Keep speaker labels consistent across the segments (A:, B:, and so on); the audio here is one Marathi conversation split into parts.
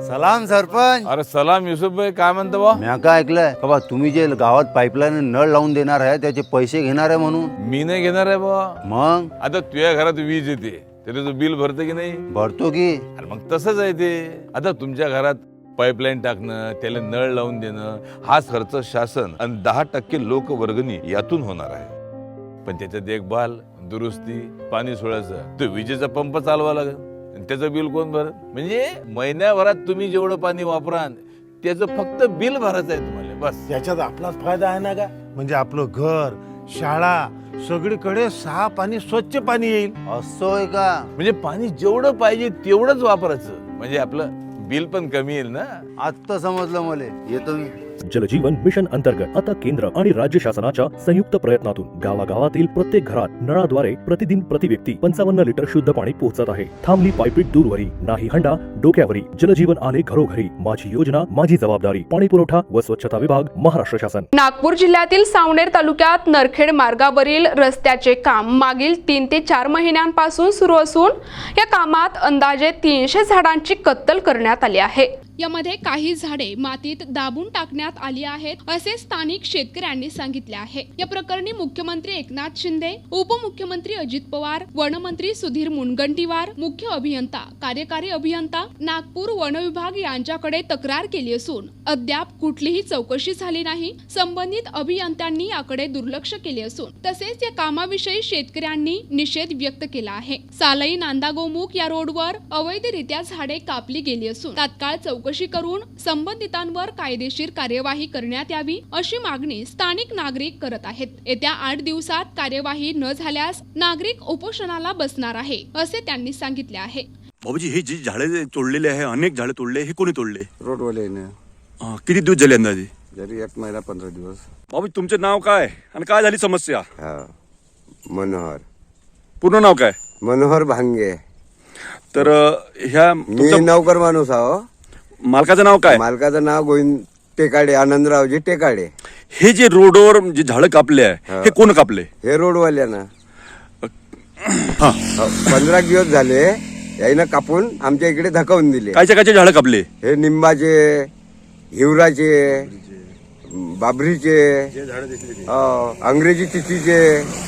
A: सलाम सरपंच.
B: अरे सलाम युसुफ भाई, काय म्हणतो बा?
A: मी काय ऐकलंय का बा तुम्ही जे गावात पाईपलाईन नळ लावून देणार आहे त्याचे पैसे घेणार आहे म्हणून.
B: मी नाही घेणार आहे बा.
A: मग
B: आता तुझ्या घरात वीज येते तरी तू बिल भरते की नाही?
A: भरतो की.
B: अरे मग तसंच आहे ते. आता तुमच्या घरात पाईपलाईन टाकणं, त्याला नळ लावून देणं, हाच खर्च शासन आणि 10% लोक वर्गणी यातून होणार आहे. पण त्याचं देखभाल, दुरुस्ती, पाणी सोडायचं, तो विजेचा पंप चालवा लागेल, त्याचं बिल कोण भरत? म्हणजे महिन्याभरात तुम्ही जेवढं पाणी वापराल त्याचं फक्त बिल भरायचं आहे तुम्हाला, बस.
C: याच्यात आपलाच फायदा आहे ना का? म्हणजे आपलं घर, शाळा, सगळीकडे साफ आणि स्वच्छ पाणी येईल.
A: असं आहे का?
B: म्हणजे पाणी जेवढं पाहिजे तेवढंच वापरायचं, म्हणजे आपलं बिल पण कमी येईल ना.
A: आता समजलं मला. येतो मी.
D: जलजीवन मिशन अंतर्गत आता केंद्र आणि राज्य शासनाच्या संयुक्त प्रयत्नातून गावागावातील प्रत्येक घरात नळाद्वारे प्रतिदिन प्रति व्यक्ती 55 लिटर शुद्ध पाणी पोहोचत आहे. थांबली पायपीट दूरवरी, नाही हंडा डोक्यावरी. जलजीवन आले घरोघरी. माझी योजना माझी जबाबदारी. पाणी पुरवठा व स्वच्छता विभाग, महाराष्ट्र शासन.
E: नागपूर जिल्ह्यातील सावनेर तालुक्यात नरखेड मार्गावरील रस्त्याचे काम मागील 3 ते 4 महिन्यांपासून सुरू असून या कामात अंदाजे 300 झाडांची कत्तल करण्यात आली आहे.
F: यामध्ये काही झाडे मातीत दाबून टाकण्यात आली आहेत असे स्थानिक शेतकऱ्यांनी सांगितले आहे. या प्रकरणी मुख्यमंत्री एकनाथ शिंदे, उपमुख्यमंत्री अजित पवार, वनमंत्री सुधीर मुनगंटीवार, मुख्य अभियंता, कार्यकारी अभियंता, नागपूर वन विभाग यांच्याकडे तक्रार केली असून अद्याप कुठलीही चौकशी झाली नाही. संबंधित अभियंत्यांनी याकडे दुर्लक्ष केले असून तसेच या कामाविषयी शेतकऱ्यांनी निषेध व्यक्त केला आहे. सालई नांदा गोमुख या रोडवर अवैधरित्या झाडे कापली गेली असून तात्काळ चौकशी करून संबंधितांवर कायदेशीर कार्यवाही करण्यात यावी अशी मागणी स्थानिक नागरिक करत आहेत. येत्या 8 दिवसात कार्यवाही न झाल्यास नागरिक उपोषणाला बसणार आहे असे त्यांनी सांगितले आहे.
G: बाबूजी, हे जी झाडे तोडलेले आहे, अनेक झाडे तोडले, हे कोणी तोडले?
H: रोडवाल्याने.
G: किती दिवस झाले अंदाजे?
H: जरी 1 महिना 15 दिवस.
G: बाबू, तुमचे नाव काय आणि काय झाली समस्या?
H: मनोहर.
G: पूर्ण नाव काय?
H: मनोहर भांगे.
G: तर ह्या
H: मी नौकर माणूस आहो.
G: मालकाचं नाव काय?
H: मालकाचं नाव गोविंद टेकाडे, आनंदरावजी टेकाडे.
G: हे जे रोडवर जे झाडं कापले आहे, हे कोण कापले?
H: हे रोडवाल्यानं. 15 दिवस झाले याईनं कापून आमच्या इकडे धकावून दिले.
G: कायचे झाडं कापले?
H: हे निंबाचे, हिवराचे, बाबरीचे, अंग्रेजी तिथीचे.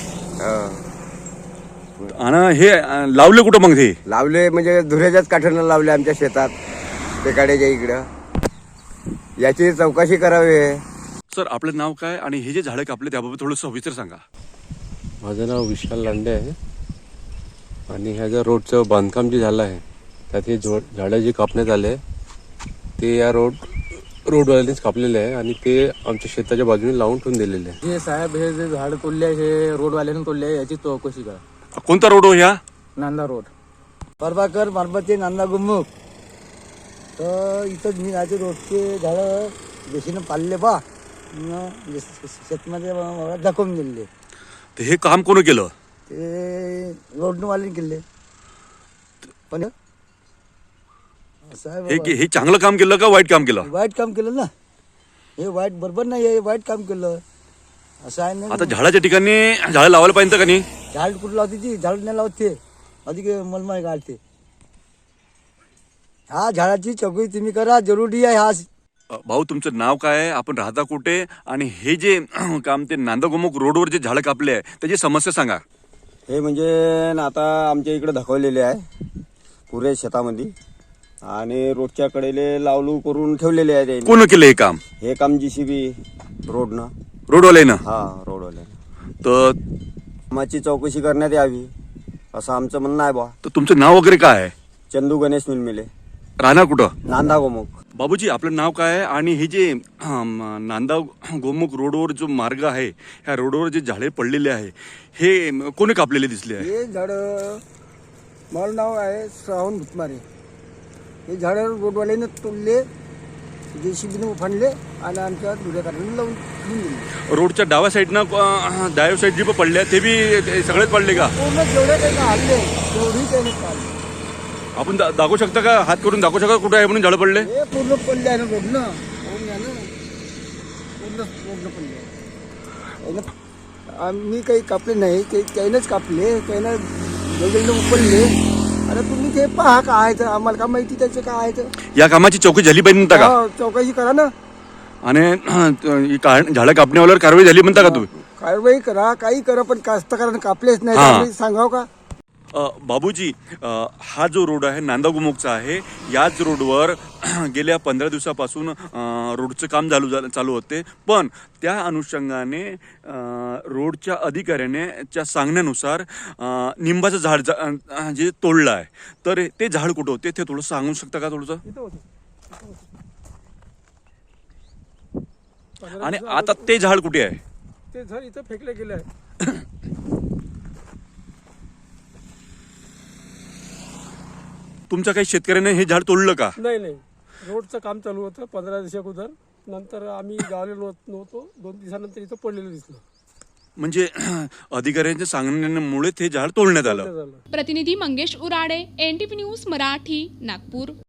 G: आणि हे लावले कुठं मग? हे
H: लावले म्हणजे धुऱ्याच्याच काठानं लावले आमच्या शेतात, टेकाड्याच्या इकडं. याची चौकशी करावी.
G: सर, आपलं नाव काय आणि हे जे झाडं कापले त्याबाबत थोडं सविस्तर सांगा.
I: माझं नाव विशाल लांडे आहे आणि ह्या ज्या रोडचं बांधकाम जे झालं आहे त्यात हे झाडं जे कापण्यात आले ते या रोडवाल्यांनीच कापलेले आहे आणि ते आमच्या शेताच्या बाजूने लावून ठेवून दिलेले आहे.
J: हे साहेब, हे जे झाडं तोडले हे रोडवाल्याने तोडले आहे, याची चौकशी करा.
G: कोणता रोड हो? ह्या
J: नांदा रोड, प्रभाकर मारबते, नांदा गुमुख. तर इथं मी राहते. रोडचे झाडं देशीनं पाळले बा, शेतमध्ये दाखवून दिले.
G: तर हे काम कोण केलं?
J: ते रोडवाल्याने केले. पण साहेब,
G: हे चांगलं काम केलं का वाईट काम केलं?
J: वाईट काम केलं ना. हे वाईट बरोबर नाही, हे वाईट काम केलं असं आहे ना.
G: आता झाडाच्या ठिकाणी झाडं लावायला पाहिजे का नाही?
J: झाड कुठं लावते ती? झाड नाही लावते, अधिक मलमाय काढते. हा झाडाची चौकशी तुम्ही करा, जरुरी आहे. हा
G: भाऊ, तुमचं नाव काय आहे, आपण राहता कुठे, आणि हे जे काम ते नांदागोमुख रोडवर जे झाडं कापले आहे त्याची समस्या सांगा.
H: हे म्हणजे आता आमच्या इकडे धकवलेले आहे पुरे शेतामध्ये आणि रोडच्या कडेले लावलू करून ठेवलेले आहे.
G: कोण केलं हे काम?
H: हे काम JCB रोडनं.
G: रोडवाल्यानं?
H: हा, रोडवाल्या.
G: तर
H: कामाची चौकशी करण्यात यावी असं आमचं म्हणणं आहे बा.
G: तर तुमचं नाव वगैरे काय आहे?
H: चंदू गणेश मिलमिले,
G: राहणार कुठं?
H: नांदा गोमुख.
G: बाबूजी, आपलं नाव काय आहे आणि हे जे नांदा गोमुख रोडवर जो मार्ग आहे, ह्या रोडवर जे झाडे पडलेले आहे हे कोणी कापलेले दिसले आहे?
J: हे झाड, माझं नाव आहे श्रावण भुतमारे. हे झाड रोडवाल्याने तोडले, JCBने उफाणले आणि आमच्या दुऱ्या काढून लावून दिले.
G: रोडच्या डाव्या साईडनं डाव्या साईड जे पडले ते बी सगळेच पडले का?
J: पूर्ण जेवढे काही हल्ले तेवढी त्याने काढले.
G: आपण दाखवू शकता का? हात करून दाखवू शकता कुठे आहे म्हणून झाडं पडले?
J: हे पूर्ण पडले आहे ना रोडनं. पूर्ण पडले. आम्ही काही कापले नाही, त्यानेच कापले. त्यानं वेगवेगळे उपडले आता तुम्ही ते पहा काय आहे ते, आम्हाला का माहिती त्याचं काय आहे ते.
G: या कामाची चौकशी झाली पाहिजे म्हणता का?
J: हा, चौकशी करा ना,
G: आणि झाडं कापण्यावर कारवाई झाली म्हणता का तुम्ही?
J: कारवाई करा, काही करा, पण कास्तकारांना कापलेच नाही,
G: हा.
J: त्यामुळे सांगाव का.
G: बाबूजी, हा जो रोड आहे नांदगाव गोमुखचा आहे. याच रोडवर गेल्या 15 दिवसापासून रोडचं काम चालू होते, पण त्या अनुषंगाने रोडच्या अधिकाऱ्याने च्या सांगण्यानुसार निंबाचं झाड जे तोडलं आहे, तर ते झाड कुठं होते ते थोडं सांगू शकता का थोडंसं? आणि आता ते झाड कुठे आहे?
J: ते झाड इथं फेकले गेले आहे.
G: तुमच्या काही शेतकऱ्याने हे झाड तोडलं का?
K: नाही, रोडचं काम चालू होतं 15 दिवसा अगोदर. नंतर आम्ही गावले नव्हतो, 2 दिवसानंतर इथं पडलेलं दिसलं.
G: म्हणजे अधिकाऱ्यांच्या सांगण्यामुळे ते झाड तोडण्यात आलं.
F: प्रतिनिधी मंगेश उराडे, NTV न्यूज मराठी, नागपूर.